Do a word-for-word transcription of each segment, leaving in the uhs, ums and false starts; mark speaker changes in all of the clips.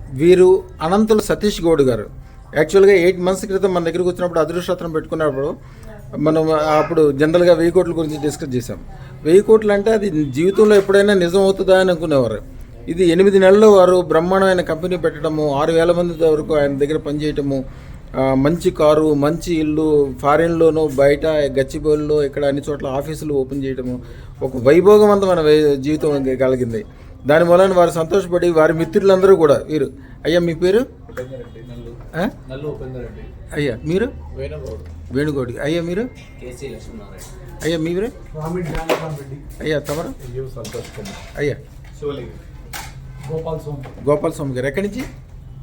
Speaker 1: వీరు అనంతులు సతీష్ గౌడ్ గారు. యాక్చువల్గా ఎయిట్ మంత్స్ క్రితం మన దగ్గరికి వచ్చినప్పుడు అదృష్టరత్నం పెట్టుకున్నప్పుడు మనం అప్పుడు జనరల్గా వెయ్యి కోట్ల గురించి డిస్కస్ చేసాం. వెయ్యి కోట్లు అంటే అది జీవితంలో ఎప్పుడైనా నిజం అవుతుందా అని అనుకునేవారు. ఇది ఎనిమిది నెలల్లో వారు బ్రహ్మాండమైన కంపెనీ పెట్టడము, ఆరు వేల మంది వరకు ఆయన దగ్గర పనిచేయటము, మంచి కారు, మంచి ఇల్లు, ఫారిన్లోనూ బయట గచ్చిబౌలిలో ఇక్కడ అన్ని చోట్ల ఆఫీసులు ఓపెన్ చేయటము, ఒక వైభోగవంతమైన జీవితం కలిగింది. దాని వలన వారు సంతోషపడి వారి మిత్రులందరూ కూడా వీరు అయ్యా మీ పేరు అయ్యా మీరు వేణుగౌడి అయ్యా మీరు అయ్యా మీరే అయ్యా తమరు అయ్యా గోపాల్ స్వామి గారు ఎక్కడి నుంచి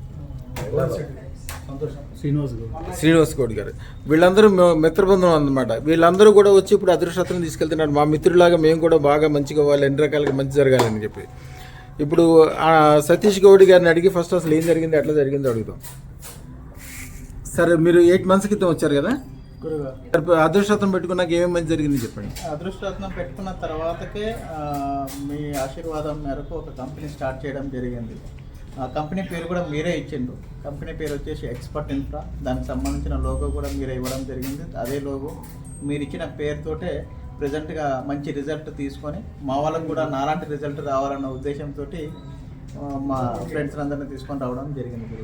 Speaker 1: శ్రీనివాస్ గౌడ్ గారు. వీళ్ళందరూ మిత్రబృందం అన్నమాట. వీళ్ళందరూ కూడా వచ్చి ఇప్పుడు అదృష్టం తీసుకెళ్తున్నారు. మా మిత్రులాగా మేము కూడా బాగా మంచిగా వాళ్ళు ఎన్ని రకాలుగా మంచి జరగాలని చెప్పి. ఇప్పుడు సతీష్ గౌడ్ గారిని అడిగి ఫస్ట్ అసలు ఏం జరిగింది, ఎట్లా జరిగిందో అడుగుతాం. సరే, మీరు ఎయిట్ మంత్స్ క్రితం వచ్చారు కదా, అదృష్టరత్నం పెట్టుకున్నాక ఏమేమి మంచి జరిగింది చెప్పండి.
Speaker 2: అదృష్టరత్నం పెట్టుకున్న తర్వాతకే మీ ఆశీర్వాదం మేరకు ఒక కంపెనీ స్టార్ట్ చేయడం జరిగింది. ఆ కంపెనీ పేరు కూడా మీరే ఇచ్చిండు. కంపెనీ పేరు వచ్చేసి ఎక్స్పర్ట్ ఇన్ఫ్రా. దానికి సంబంధించిన లోగో కూడా మీరే ఇవ్వడం జరిగింది. అదే లోగో మీరు ఇచ్చిన పేరుతోటే ప్రజెంట్గా మంచి రిజల్ట్ తీసుకొని మా వాళ్ళకు కూడా నాలాంటి రిజల్ట్ రావాలన్న ఉద్దేశంతో మా ఫ్రెండ్స్ అందరినీ తీసుకొని రావడం జరిగింది.